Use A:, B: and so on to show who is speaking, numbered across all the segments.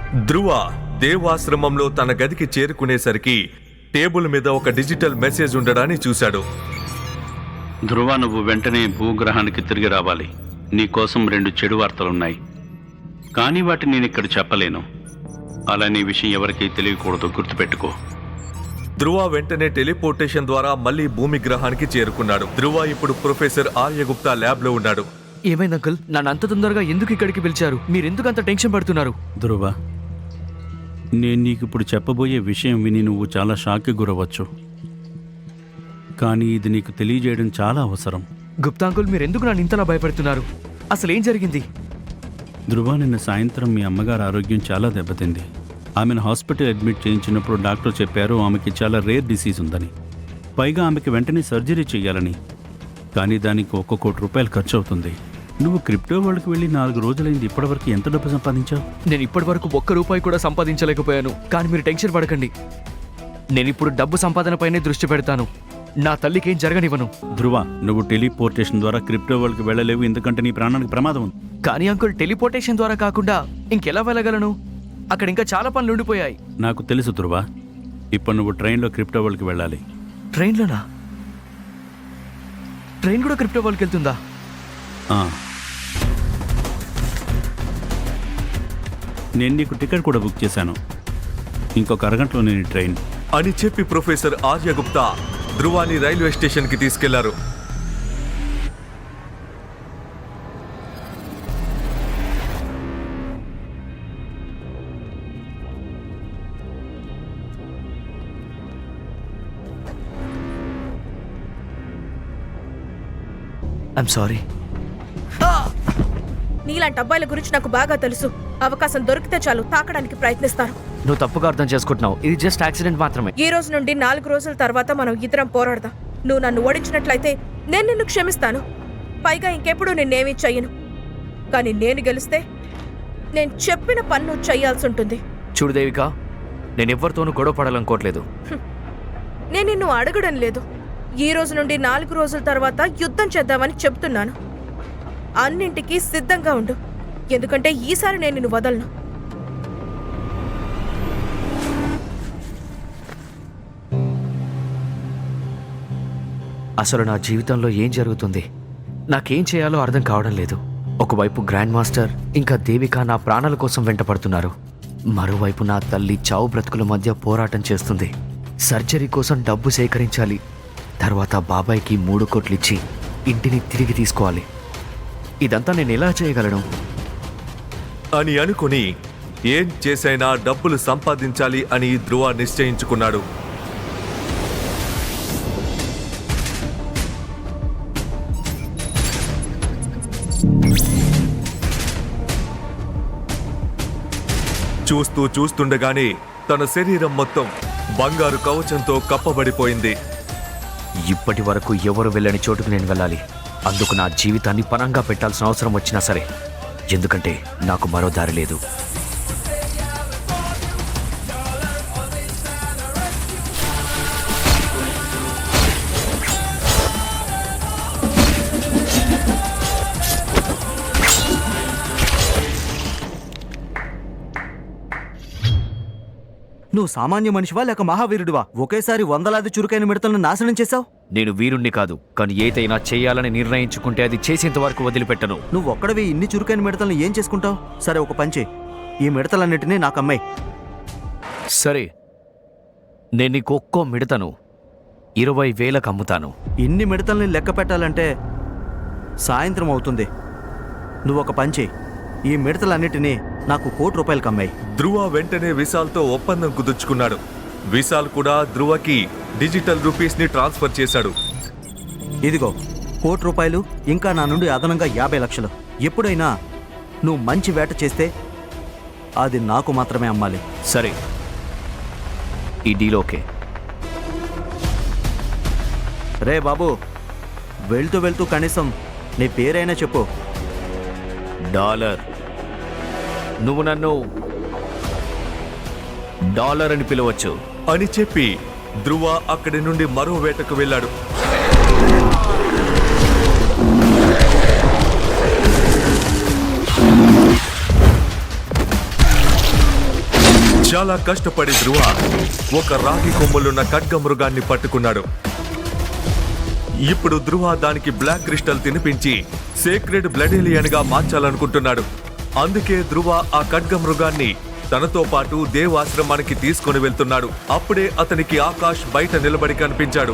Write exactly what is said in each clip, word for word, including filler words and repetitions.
A: ధ్రువ దేవాశ్రమంలో తన గదికి చేరుకునేసరికి టేబుల్ మీద ఒక డిజిటల్ మెసేజ్ ఉండడాన్ని చూశాడు.
B: ధ్రువ, నువ్వు వెంటనే భూగ్రహానికి తిరిగి రావాలి. నీకోసం రెండు చెడు వార్తలున్నాయి, కానీ వాటిని నేను ఇక్కడ చెప్పలేను. అలానే విషయం ఎవరికీ తెలియకూడదు, గుర్తుపెట్టుకో.
A: ధ్రువ వెంటనే టెలిపోర్టేషన్ ద్వారా మళ్లీ భూమి గ్రహానికి చేరుకున్నాడు. ధ్రువ ఇప్పుడు ప్రొఫెసర్ ఆర్యగుప్తా ల్యాబ్ లో ఉన్నాడు.
C: ఏమైంది అంకుల్? నన్ను అంత తొందరగా ఎందుకు ఇక్కడికి పిలిచారు? మీరెందుకు అంత టెన్షన్ పడుతున్నారు?
B: ధ్రువ, నేను నీకు ఇప్పుడు చెప్పబోయే విషయం విని నువ్వు చాలా షాక్కి గురవచ్చు, కానీ ఇది నీకు తెలియజేయడం చాలా అవసరం.
C: గుప్తా అంకుల్, మీరెందుకు నన్ను ఇంతలా భయపడుతున్నారు? అసలు ఏం జరిగింది?
B: ధ్రువ, నిన్న సాయంత్రం మీ అమ్మగారు ఆరోగ్యం చాలా దెబ్బతింది. ఆమెను హాస్పిటల్ అడ్మిట్ చేయించినప్పుడు డాక్టర్ చెప్పారు ఆమెకి చాలా రేర్ డిసీజ్ ఉందని, పైగా ఆమెకి వెంటనే సర్జరీ చేయాలని. కానీ దానికి ఒక్క కోటి రూపాయలు ఖర్చు అవుతుంది. నువ్వు క్రిప్టో వరల్డ్కి వెళ్ళి నాలుగు రోజులైంది, ఇప్పటివరకు ఎంత డబ్బు సంపాదించావు?
C: నేను ఇప్పటి వరకు ఒక్క రూపాయి కూడా సంపాదించలేకపోయాను. కానీ మీరు టెన్షన్ పడకండి, నేను ఇప్పుడు డబ్బు సంపాదనపైనే దృష్టి పెడతాను. నా తల్లికి ఏం జరగనివ్వను.
B: ధ్రువ, నువ్వు టెలిపోర్టేషన్ ద్వారా క్రిప్టో వరల్డ్కి వెళ్ళలేవు, ఎందుకంటే నీ ప్రాణానికి ప్రమాదం ఉంది.
C: కానీ అంకుల్, టెలిపోర్టేషన్ ద్వారా కాకుండా ఇంకెలా వెళ్ళగలను? అక్కడ ఇంకా చాలా పనులు ఉండిపోయాయి.
B: నాకు తెలుసు ధ్రువ, ఇప్పుడు నువ్వు ట్రైన్లో క్రిప్టో వరల్డ్కి వెళ్ళాలి.
C: ట్రైన్లోనా? ట్రైన్ కూడా క్రిప్టో వరల్డ్కి వెళ్తుందా?
B: నేను నీకు టికెట్ కూడా బుక్ చేశాను. ఇంకొక అరగంటలో నేను ట్రైన్
A: అని చెప్పి ప్రొఫెసర్ ఆర్యగుప్తా ధ్రువాని రైల్వే స్టేషన్ కి తీసుకెళ్లారు.
C: I'm sorry.
D: నీలాంటి అబ్బాయిల గురించి నాకు బాగా తెలుసు. అవకాశం దొరికితే చాలు తాకడానికి ప్రయత్నిస్తారు.
C: నువ్వు తప్పుగా అర్థం చేసుకుంటున్నావు. ఇది జస్ట్ యాక్సిడెంట్ మాత్రమే.
D: ఈ రోజు నుండి నాలుగు రోజుల తర్వాత మనం ఇద్దరం పోరాడదాం. నువ్వు నన్ను ఓడించినట్లయితే నేను నిన్ను క్షమిస్తాను. పైగా ఇంకెప్పుడు నిన్నేమీ చెయ్యను. కానీ నేను గెలిస్తే నేను చెప్పిన పన్ను చెయ్యాల్సి ఉంటుంది.
C: చూడు దేవిక, నేను ఎవరితోనూ గొడవ పడాలనుకోవట్లేదు.
D: నేను నిన్ను అడగడం లేదు. ఈ రోజు నుండి నాలుగు రోజుల తర్వాత యుద్ధం చేద్దామని చెప్తున్నాను. అన్నింటికీ సిద్ధంగా ఉండు, ఎందుకంటే ఈసారి నేను నిన్ను వదలను.
C: అసలు నా జీవితంలో ఏం జరుగుతుంది? నాకేం చేయాలో అర్థం కావడం లేదు. ఒకవైపు గ్రాండ్ మాస్టర్ ఇంకా దేవిక నా ప్రాణాల కోసం వెంటపడుతున్నారు. మరోవైపు నా తల్లి చావు బ్రతుకుల మధ్య పోరాటం చేస్తుంది. సర్జరీ కోసం డబ్బు సేకరించాలి. తర్వాత బాబాయ్కి మూడు కోట్లు ఇచ్చి ఇంటిని తిరిగి తీసుకోవాలి. ఇదంతా నేను ఎలా చేయగలను
A: అని అనుకుని ఏం చేసైనా డబ్బులు సంపాదించాలి అని ధ్రువ నిశ్చయించుకున్నాడు. చూస్తూ చూస్తుండగానే తన శరీరం మొత్తం బంగారు కవచంతో కప్పబడిపోయింది.
C: ఇప్పటి వరకు ఎవరు వెళ్ళని చోటుకు నేను వెళ్ళాలి. అందుకు నా జీవితాన్ని పణంగా పెట్టాల్సిన అవసరం వచ్చినా సరే, ఎందుకంటే నాకు మరో దారి లేదు.
E: నువ్వు సామాన్య మనిషివా లేక మహావీరుడివా? ఒకేసారి వందలాది చురుకైన మిడతలను నాశనం చేశావు.
C: నేను వీరుణ్ణి కాదు, కానీ ఏదైనా చేయాలని నిర్ణయించుకుంటే అది చేసేంత వరకు వదిలిపెట్టను.
E: నువ్వు ఒక్కడవి ఇన్ని చురుకైన మిడతలను ఏం చేసుకుంటావు? సరే, ఒక పంచే, ఈ మిడతలన్నిటినీ నాకు అమ్మాయి.
C: సరే, నేను నీకు ఒక్కో మిడతను ఇరవై వేలకు అమ్ముతాను.
E: ఇన్ని మిడతల్ని లెక్క పెట్టాలంటే సాయంత్రం అవుతుంది. నువ్వు ఒక పంచే, ఈ మిడతలన్నిటినీ నాకు కోటి రూపాయలకు అమ్మాయి.
A: ధ్రువ వెంటనే విశాల్తో ఒప్పందం కుదుర్చుకున్నాడు. విశాల్ కూడా ధ్రువకి డిజిటల్ రూపీస్ ని ట్రాన్స్ఫర్ చేశాడు.
E: ఇదిగో కోటి రూపాయలు, ఇంకా నా నుండి అదనంగా యాభై లక్షలు. ఎప్పుడైనా నువ్వు మంచి వేట చేస్తే అది నాకు మాత్రమే అమ్మాలి.
C: సరే, ఈ డీల్ ఓకే.
E: రే బాబు, వెళ్తూ వెళ్తూ కనీసం నీ పేరైనా చెప్పు.
C: డాలర్. నువ్వు నన్ను డాలర్ అని పిలవచ్చు
A: అని చెప్పి ధ్రువ అక్కడి నుండి మరో వేటకు వెళ్ళాడు. చాలా కష్టపడి ధ్రువ ఒక రాగి కొమ్ములున్న ఖడ్గమృగాన్ని పట్టుకున్నాడు. ఇప్పుడు ధ్రువ దానికి బ్లాక్ క్రిస్టల్ తినిపించి సేక్రెడ్ బ్లడేలియన్ గా మార్చాలనుకుంటున్నాడు. అందుకే ధ్రువ ఆ ఖడ్గమృగాన్ని తనతో పాటు దేవాశ్రమానికి తీసుకుని వెళ్తున్నాడు. అప్పుడే అతనికి ఆకాష్ బయట నిలబడి కనిపించాడు.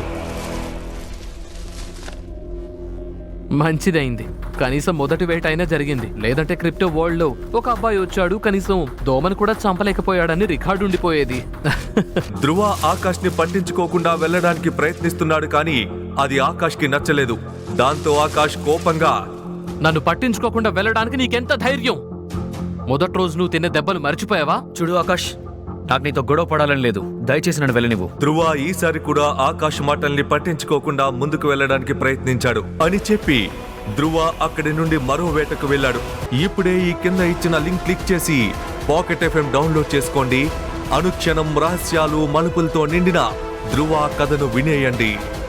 F: మంచిదైంది, కనీసం మొదటి వేట అయినా జరిగింది. లేదంటే క్రిప్టో వరల్డ్ లో ఒక అబ్బాయి వచ్చాడు, కనీసం దోమను కూడా చంపలేకపోయాడని రికార్డు ఉండిపోయేది.
A: ధ్రువ ఆకాష్ ని పట్టించుకోకుండా వెళ్ళడానికి ప్రయత్నిస్తున్నాడు, కానీ అది ఆకాష్ కి నచ్చలేదు. దాంతో ఆకాష్ కోపంగా,
F: నన్ను పట్టించుకోకుండా వెళ్ళడానికి నీకెంత ధైర్యం? మొదటి రోజు నువ్వు తిన్న దెబ్బలు మర్చిపోయావా?
C: చూడు ఆకాష్, నాకు నీతో గొడవ పడాలని లేదు. దయచేసి నన్ను వెళ్ళనివ్వు.
A: ధ్రువ ఈసారి కూడా ఆకాష్ మాటల్ని పట్టించుకోకుండా ముందుకు వెళ్ళడానికి ప్రయత్నించాడు. అని చెప్పి ధ్రువ అక్కడి నుండి మరో వేటకు వెళ్ళాడు. ఇప్పుడే ఈ కింద ఇచ్చిన లింక్ క్లిక్ చేసి పాకెట్ ఎఫ్ఎం డౌన్లోడ్ చేసుకోండి. అనుక్షణం రహస్యాలు మలుపులతో నిండిన ధ్రువ కథను వినేయండి.